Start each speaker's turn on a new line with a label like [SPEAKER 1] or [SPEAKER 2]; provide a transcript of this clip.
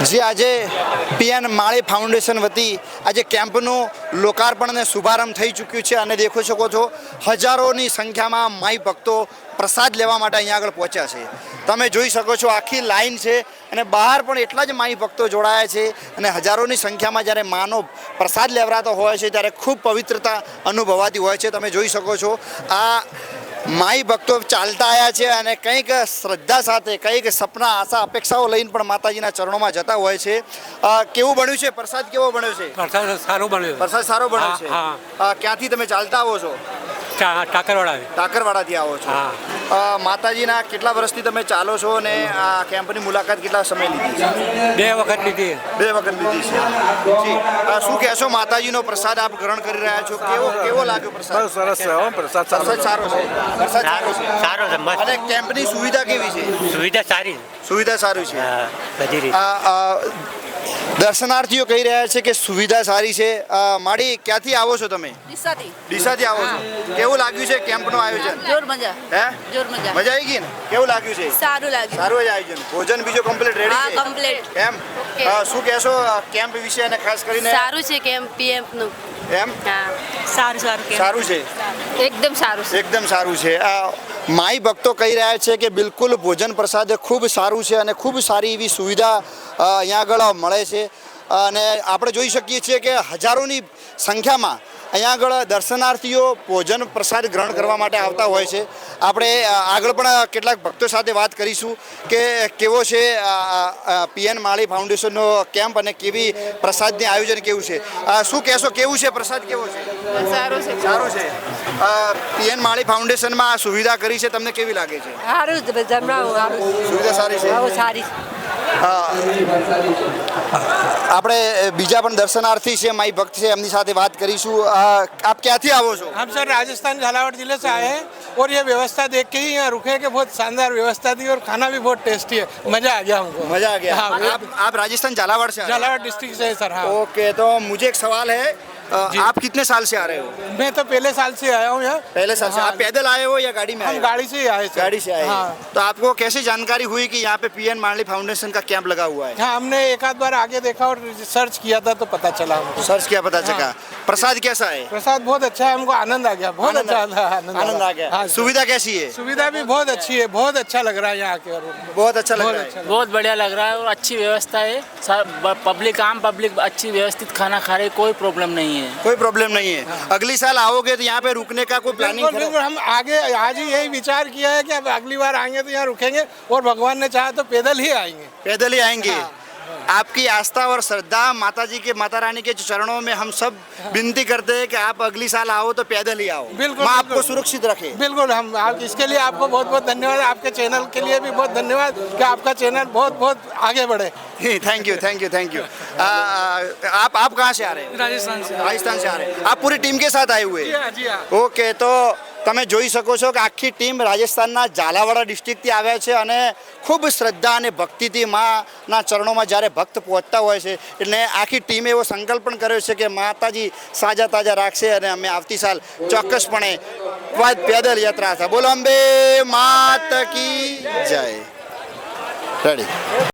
[SPEAKER 1] જે આજે પીએન માળી ફાઉન્ડેશન વતી આજે કેમ્પનું લોકાર્પણ અને શુભારંભ થઈ ચૂક્યું છે અને દેખો શકો છો હજારોની સંખ્યામાં માઈ ભક્તો પ્રસાદ લેવા માટે અહીંયા આગળ પહોંચ્યા છે. તમે જોઈ શકો છો આખી લાઈન છે અને બહાર પણ એટલા જ માઈ ભક્તો જોડાયા છે અને હજારોની સંખ્યામાં જ્યારે માનો પ્રસાદ લેવરાતો હોય છે ત્યારે ખૂબ પવિત્રતા અનુભવાતી હોય છે. તમે જોઈ શકો છો આ માઈ ભક્તો ચાલતા આવ્યા છે અને કંઈક શ્રદ્ધા સાથે કંઈક સપના આશા અપેક્ષાઓ લઈને પણ માતાજીના ચરણોમાં જતા હોય છે. કેવું બન્યું છે પ્રસાદ? કેવો બન્યો છે?
[SPEAKER 2] પ્રસાદ સારો બન્યો.
[SPEAKER 1] પ્રસાદ સારો બન્યો છે. ક્યાંથી તમે ચાલતા આવો છો? ટાકરવાડાથી આવો છો. માતાજીના કેટલા વર્ષથી તમે ચાલો છો અને આ કેમ્પની મુલાકાત કેટલા સમય લીધી છે?
[SPEAKER 2] 2 વખત લીધી.
[SPEAKER 1] 2 વખત લીધી છે. જી શું કહેશો? માતાજીનો પ્રસાદ આપ ગ્રહણ કરી રહ્યા છો, કેવો લાગ્યો પ્રસાદ?
[SPEAKER 3] સરસ છે હો, પ્રસાદ
[SPEAKER 1] સારો છે. પ્રસાદ સારો છે.
[SPEAKER 2] મસ્ત.
[SPEAKER 1] અને કેમ્પની સુવિધા કેવી છે?
[SPEAKER 2] સુવિધા સારી.
[SPEAKER 1] સુવિધા સારી છે.
[SPEAKER 2] બધી રીતે.
[SPEAKER 1] દર્શનાર્થીઓ કહી રહ્યા છે કે સુવિધા સારી છે. માડી ક્યાંથી આવો છો તમે? ડીસાથી આવો છો. કેવું લાગ્યું છે કેમ્પનું આયોજન?
[SPEAKER 4] જોર મજા.
[SPEAKER 1] હે
[SPEAKER 4] જોર મજા.
[SPEAKER 1] મજા આવી ગઈ ને? કેવું લાગ્યું છે?
[SPEAKER 4] સારું લાગ્યું.
[SPEAKER 1] સારું જ આયોજન. ભોજન બીજો કમ્પ્લીટ રેડી છે?
[SPEAKER 4] હા, કમ્પ્લીટ.
[SPEAKER 1] એમ શું કહેશો કેમ્પ વિશે અને ખાસ કરીને?
[SPEAKER 4] સારું છે કેમ પીએમ નું.
[SPEAKER 1] એમ
[SPEAKER 4] હા, સારું
[SPEAKER 1] સારું છે.
[SPEAKER 4] એકદમ સારું છે.
[SPEAKER 1] એકદમ સારું છે. માઈ ભક્તો કહી રહ્યા છે કે બિલકુલ ભોજન પ્રસાદ ખૂબ સારું છે અને ખૂબ સારી એવી સુવિધા અહીંયા આગળ મળે છે અને આપણે જોઈ શકીએ છીએ કે હજારોની સંખ્યામાં અહીંયા આગળ દર્શનાર્થીઓ ભોજન પ્રસાદ ગ્રહણ કરવા માટે આવતા હોય છે. આપણે આગળ પણ કેટલાક ભક્તો સાથે વાત કરીશું કે કેવો છે પીએન માળી ફાઉન્ડેશનનો કેમ્પ અને કેવી પ્રસાદની આયોજન કેવું છે. શું કહેશો? કેવું છે પ્રસાદ? કેવો છે?
[SPEAKER 4] સારું છે.
[SPEAKER 1] સારું છે. પીએન માળી ફાઉન્ડેશનમાં આ સુવિધા કરી છે, તમને કેવી લાગે છે?
[SPEAKER 4] સારું જ જમવાનું સારું.
[SPEAKER 1] સુવિધા સારી છે.
[SPEAKER 4] બહુ સારી.
[SPEAKER 1] આપણે બીજા પણ દર્शनार्थी છે, माई भक्त છે, એમની સાથે વાત કરીશું. आप ક્યાંથી આવો છો?
[SPEAKER 5] हम सर राजस्थान झालावाड़ जिले से आए हैं और ये व्यवस्था देख के ही यहाँ रुके कि बहुत शानदार व्यवस्था थी और खाना भी बहुत टेस्टी है. मजा आ गया हमको.
[SPEAKER 1] मजा आ गया.
[SPEAKER 5] हाँ,
[SPEAKER 1] आप राजस्थान झालावाड़ से?
[SPEAKER 5] झालावाड़ डिस्ट्रिक्ट से है सर. हाँ.
[SPEAKER 1] ओके, तो मुझे एक सवाल है, आप कितने साल से आ रहे हो?
[SPEAKER 5] मैं तो पहले साल से आया हूँ यहाँ.
[SPEAKER 1] पहले साल से.
[SPEAKER 5] हाँ.
[SPEAKER 1] आप पैदल आए हो या गाड़ी में आए
[SPEAKER 5] हम
[SPEAKER 1] हो?
[SPEAKER 5] गाड़ी से ही आए सर.
[SPEAKER 1] गाड़ी से आए.
[SPEAKER 5] हाँ.
[SPEAKER 1] तो आपको कैसे जानकारी हुई कि यहाँ पे पीएन माली फाउंडेशन का कैंप लगा हुआ है?
[SPEAKER 5] हाँ, हमने एक आध बार आगे देखा और सर्च किया था तो पता चला हमको.
[SPEAKER 1] सर्च किया, पता चला. प्रसाद कैसा है?
[SPEAKER 5] प्रसाद बहुत अच्छा है, हमको आनंद आ गया. बहुत अच्छा
[SPEAKER 1] आनंद आ गया.
[SPEAKER 5] हाँ,
[SPEAKER 1] सुविधा कैसी है?
[SPEAKER 5] सुविधा भी बहुत अच्छी है. बहुत अच्छा लग रहा है यहाँ के.
[SPEAKER 1] बहुत अच्छा लग रहा है.
[SPEAKER 6] बहुत बढ़िया लग रहा है और अच्छी व्यवस्था है. पब्लिक आम पब्लिक अच्छी व्यवस्थित खाना खा रही, कोई प्रॉब्लम नहीं है.
[SPEAKER 1] कोई प्रॉब्लम नहीं है. अगली साल आओगे तो यहाँ पे रुकने का कोई प्लानिंग?
[SPEAKER 5] बिल्कुल, हम आगे आज ही यही विचार किया है कि अब अगली बार आएंगे तो यहाँ रुकेंगे और भगवान ने चाहा तो पैदल ही आएंगे.
[SPEAKER 1] पैदल ही आएंगे. आपकी आस्था और श्रद्धा माता जी के, माता रानी के चरणों में हम सब विनती करते हैं कि आप अगली साल आओ तो पैदल ही आओ.
[SPEAKER 5] बिल्कुल,
[SPEAKER 1] माँ आपको सुरक्षित रखे.
[SPEAKER 5] बिल्कुल. हम इसके लिए आपको बहुत बहुत धन्यवाद. आपके चैनल के लिए भी बहुत धन्यवाद कि आपका चैनल बहुत बहुत आगे बढ़े.
[SPEAKER 1] Thank you, thank you, thank you. आप कहाँ से आ रहे हो?
[SPEAKER 5] राजस्थान से.
[SPEAKER 1] राजस्थान से आ रहे हैं. आप पूरी टीम के साथ आए हुए?
[SPEAKER 5] जी हाँ.
[SPEAKER 1] ઓકે, તો તમે જોઈ શકો છો કે આખી ટીમ રાજસ્થાનના ઝાલાવાડા ડિસ્ટ્રિક્ટથી આવ્યા છે અને ખૂબ શ્રદ્ધા અને ભક્તિથી માના ચરણોમાં જ્યારે ભક્ત પહોંચતા હોય છે એટલે આખી ટીમે એવો સંકલ્પ પણ કર્યો છે કે માતાજી સાજા તાજા રાખશે અને અમે આવતી સાલ ચોક્કસપણે પેદલ યાત્રા થાય. બોલો અંબે માત કી જય. રેડી.